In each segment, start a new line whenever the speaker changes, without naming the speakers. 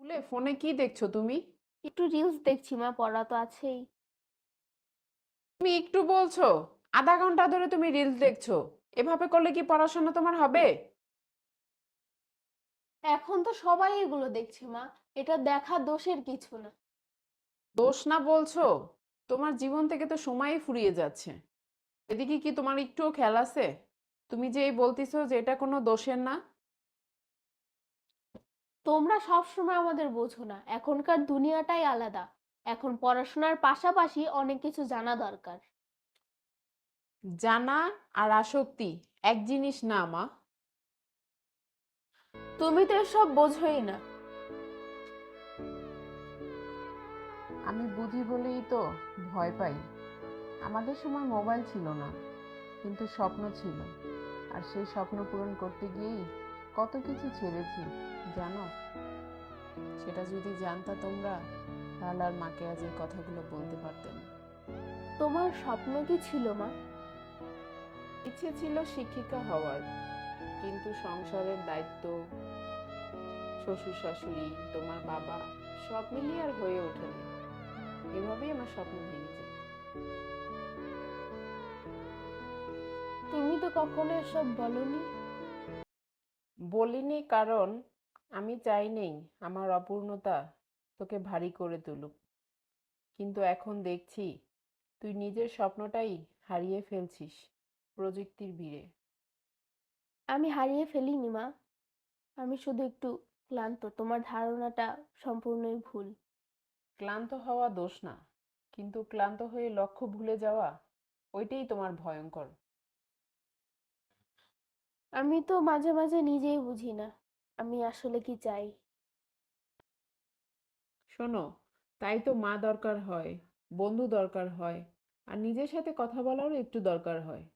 ফোনে কি দেখছো তুমি?
একটু রিলস দেখছি মা, পড়া তো আছেই।
তুমি একটু বলছো, আধা ঘন্টা ধরে তুমি রিলস দেখছো। এভাবে করলে কি পড়াশোনা তোমার হবে?
এখন তো সবাই এগুলো দেখছে মা, এটা দেখা দোষের কিছু না।
দোষ না বলছো? তোমার জীবন থেকে তো সময়ই ফুরিয়ে যাচ্ছে। এদিকে কি তোমার একটুও খেয়াল আছে? তুমি যে এই বলতেছো যে এটা কোনো দোষের না।
তোমরা সব সময় আমাদের বোঝো না, এখনকার দুনিয়াটাই আলাদা। এখন পড়াশোনার পাশাপাশি অনেক কিছু জানা দরকার।
জানা আর আসক্তি এক জিনিস না মা।
তুমি তো এসব বোঝোই না।
আমি বুঝি বলেই তো ভয় পাই। আমাদের সময় মোবাইল ছিল না, কিন্তু স্বপ্ন ছিল। আর সেই স্বপ্ন পূরণ করতে গিয়েই কত কিছু ছেড়েছি, জানো? সেটা যদি জানতা তোমরা, তাহলে আর মাকে আজ এই কথাগুলো বলতে পারতে না।
তোমার স্বপ্ন কি ছিল মা?
ইচ্ছে ছিল শিক্ষিকা হওয়ার, কিন্তু সংসারের দায়িত্ব, শ্বশুর শাশুড়ি, তোমার বাবা, সব মিলিয়ে আর হয়ে ওঠেনি। এভাবেই আমার স্বপ্ন ভেঙে যায়।
তুমি তো কখনো এসব বলনি।
বলিনি কারণ আমি চাইনি আমার অপূর্ণতা তোকে ভারী করে তুলুক। কিন্তু এখন দেখছি তুই নিজের স্বপ্নটাই হারিয়ে ফেলছিস প্রযুক্তির ভিড়ে।
আমি হারিয়ে ফেলিনি মা, আমি শুধু একটু ক্লান্ত। তোমার ধারণাটা সম্পূর্ণই ভুল।
ক্লান্ত হওয়া দোষ না, কিন্তু ক্লান্ত হয়ে লক্ষ্য ভুলে যাওয়া, ওইটাই তোমার ভয়ঙ্কর।
আমি তো মাঝে মাঝে নিজেই বুঝি না আমি আসলে কি চাই।
শোনো, তাই তো মা দরকার হয়, বন্ধু দরকার হয়, আর নিজের সাথে কথা বলারও একটু দরকার হয়।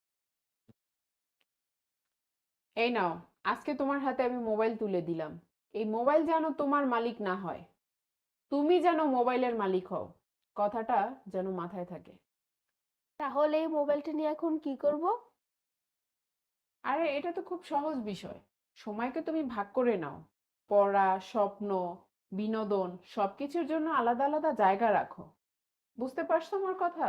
এই নাও, আজকে তোমার হাতে আমি মোবাইল তুলে দিলাম। এই মোবাইল যেন তোমার মালিক না হয়, তুমি যেন মোবাইলের মালিক হও। কথাটা যেন মাথায় থাকে।
তাহলে এই মোবাইলটা নিয়ে এখন কি করব?
আরে এটা তো খুব সহজ বিষয়। সময়কে তুমি ভাগ করে নাও। পড়া, স্বপ্ন, বিনোদন সবকিছুর জন্য আলাদা আলাদা জায়গা রাখো। বুঝতে পারছো আমার কথা?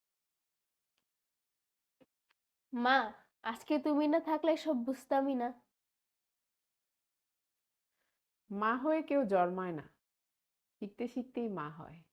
মা, আজকে তুমি না থাকলে সব বুঝতামই না।
মা হয়ে কেউ জন্মায় না, শিখতে শিখতেই মা হয়।